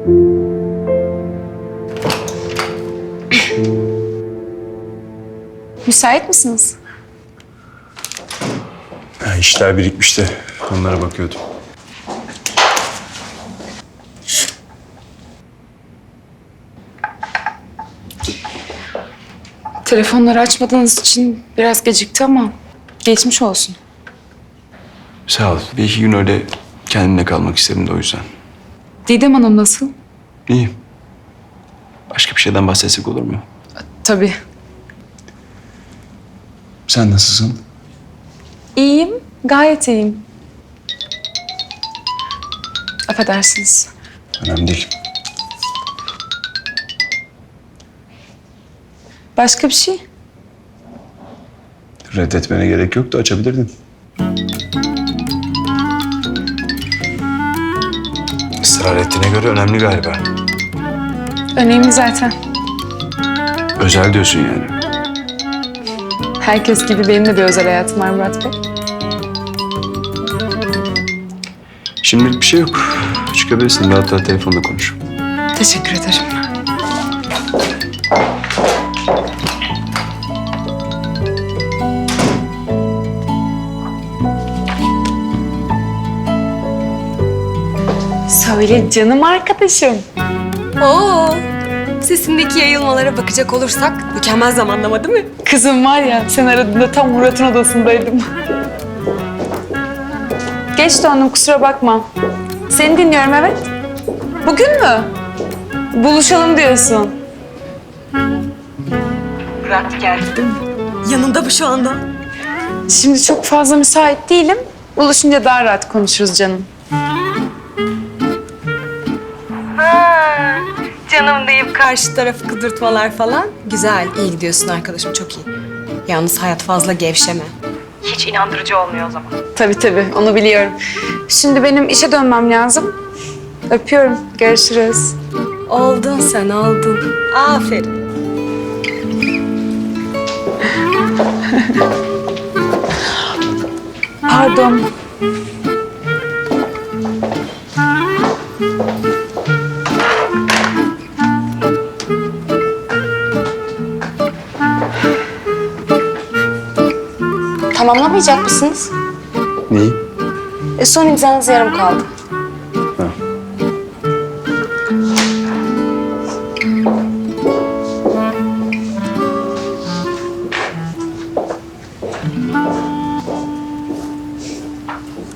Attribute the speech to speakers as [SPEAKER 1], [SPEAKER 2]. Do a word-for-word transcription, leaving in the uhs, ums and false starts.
[SPEAKER 1] Müsait misiniz?
[SPEAKER 2] Ya işler birikmiş de onlara bakıyordum.
[SPEAKER 1] Telefonları açmadığınız için biraz gecikti ama geçmiş olsun.
[SPEAKER 2] Sağ ol. Bir iki gün öyle kendimle kalmak istedim de o yüzden.
[SPEAKER 1] Didem Hanım nasıl?
[SPEAKER 2] İyiyim. Başka bir şeyden bahsetsek olur mu?
[SPEAKER 1] Tabii.
[SPEAKER 2] Sen nasılsın?
[SPEAKER 1] İyiyim, gayet iyiyim. Affedersiniz.
[SPEAKER 2] Önemli değil.
[SPEAKER 1] Başka bir şey?
[SPEAKER 2] Reddetmene gerek yoktu, açabilirdin. Israr ettiğine göre önemli galiba.
[SPEAKER 1] Önemli zaten.
[SPEAKER 2] Özel diyorsun yani.
[SPEAKER 1] Herkes gibi benim de bir özel hayatım var Murat Bey.
[SPEAKER 2] Şimdilik bir şey yok. Çıkabilirsin, rahat rahat telefonda konuş.
[SPEAKER 1] Teşekkür ederim. Söyle canım arkadaşım.
[SPEAKER 3] Oo, sesindeki yayılmalara bakacak olursak mükemmel zamanlama değil mi?
[SPEAKER 1] Kızım var ya, sen aradığında tam Murat'ın odasındaydım. Geç döndüm, kusura bakma. Seni dinliyorum, evet. Bugün mü? Buluşalım diyorsun.
[SPEAKER 3] Murat geldi değil mi? Yanında mı şu anda?
[SPEAKER 1] Şimdi çok fazla müsait değilim. Buluşunca daha rahat konuşuruz canım.
[SPEAKER 3] Ha, canım deyip karşı tarafı kıdırtmalar falan. Güzel, iyi gidiyorsun arkadaşım, çok iyi. Yalnız hayat fazla gevşeme. Hiç inandırıcı olmuyor o zaman.
[SPEAKER 1] Tabii tabii, onu biliyorum. Şimdi benim işe dönmem lazım. Öpüyorum, görüşürüz.
[SPEAKER 3] Oldun sen, oldun. Aferin.
[SPEAKER 1] Pardon.
[SPEAKER 3] Tamamlamayacak mısınız?
[SPEAKER 2] Neyi?
[SPEAKER 3] E, son imzanız yarım kaldı.
[SPEAKER 2] Ha.